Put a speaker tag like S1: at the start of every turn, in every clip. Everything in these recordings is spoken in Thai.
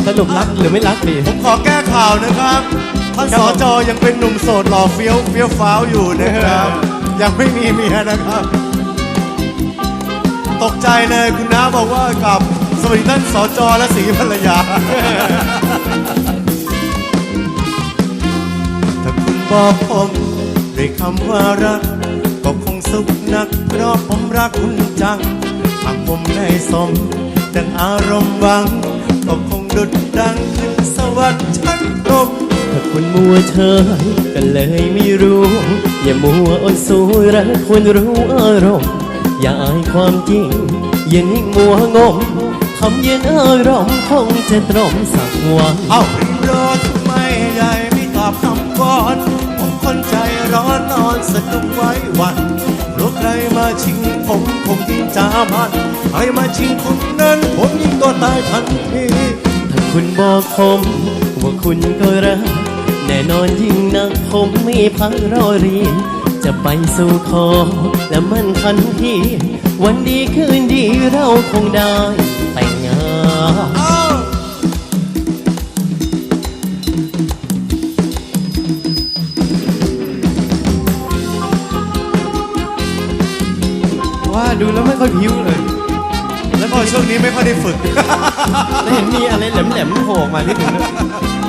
S1: สรุปรักหรือไม่รักดี
S2: ผมขอแก้ข่าวนะครับท่านสจยังเป็นหนุ่มโสดหล่อเฟี้ยวฟ้าวอยู่นะครับยังไม่มีเมียนะครับตกใจเลยคุณน้าบอกว่ากับสวัสดีท่านสจและศรีภรรยาถ้าคุณบอกผมด้วยคำว่ารักก็คงสุขนักเพราะผมรักคุณจังหากผมได้สมดังอารมณ์หวังก็คงดุจดังขึ้นสวรรค์ชั้นพรหม
S1: ถ้าคุณมัวเฉยก็เลยไม่รู้อย่ามัวอ่อนสู้รักควรรู้อารมณ์อย่าอายความจริงอย่านิ่งมัวงมทำเย็นอารมณ์คงจะตรมสักวัน
S2: เอ้าริมรอทำไมใหญ่ไม่ตอบคำก่อนผมคนใจร้อนนอนสะดุ้งไว้วันรู้ใครมาชิงผมคงยิ่งจามันใครมาชิงคุณนั้นผมยิ่งตัวตายทันที
S1: ถ้าคุณบอกผมว่าคุณก็รักแน่นอนยิ่งนักผมไม่พักรอเรียนจะไปสู่ขอและมั่นคันทีวันดีคืนดีเราคงได้แต่งงาน
S2: เอ้า
S1: ว่าดูแล้วไม่ค่อยพิ้วเลย
S2: แล้วก็ช่วงนี้ไม่ค่อยได้ฝึก
S1: แล้วเห็นมีอะไรแหลมๆโผล่ออกมานิดนึงด้วย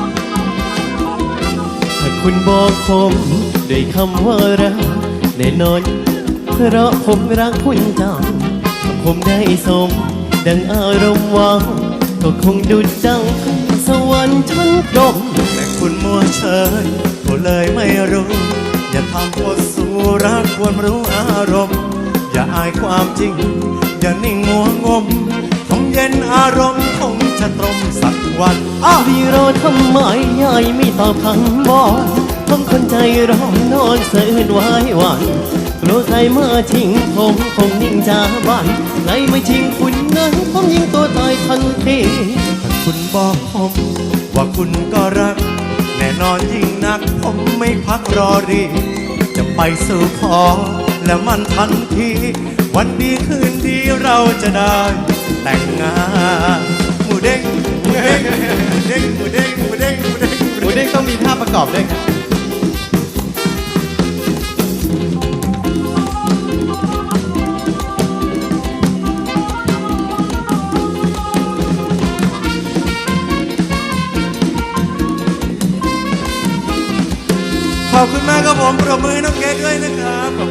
S1: ถ้าคุณบอกผมด้วยคำว่ารักแน่นอนเพราะผมรักคุณจังถ้าผมได้สมดังอารมณ์หวังก็คงดุจดังสวรรค์ชั้นพรหม
S2: แต่คุณมัวเฉยก็เลยไม่รู้อย่าทำโคตรสู้รักควรรู้อารมณ์อย่าอายความจริงอย่านิ่งมัวงมผมเย็นอารมณ์คงจะตรมสักวันอ้าว
S1: พี่รอทำไมยายไม่ตอบคำบอกผมคนใจร้อนนอนเสื่อไว้วันกลัวใครมาชิงผมคงนิ่งจาบ้านใครมาชิงคุณนั้นผมยิงตัวตายทันที
S2: ถ้าคุณบอกผมว่าคุณก็รักแน่นอนยิ่งนักผมไม่พักรอรีจะไปสู่ขอและมันทันทีวันดีคืนดีเราจะได้แต่งงานหมูเด้งหมูเด้งหมูเด้งหมูเด้งหมูเด้งหมูเด้ง
S1: หมูเด้งต้องมีท่าประกอบด้วยครับ
S2: ขอบคุณมากครับผมปรบมือให้น้องเกดด้วยนะครับ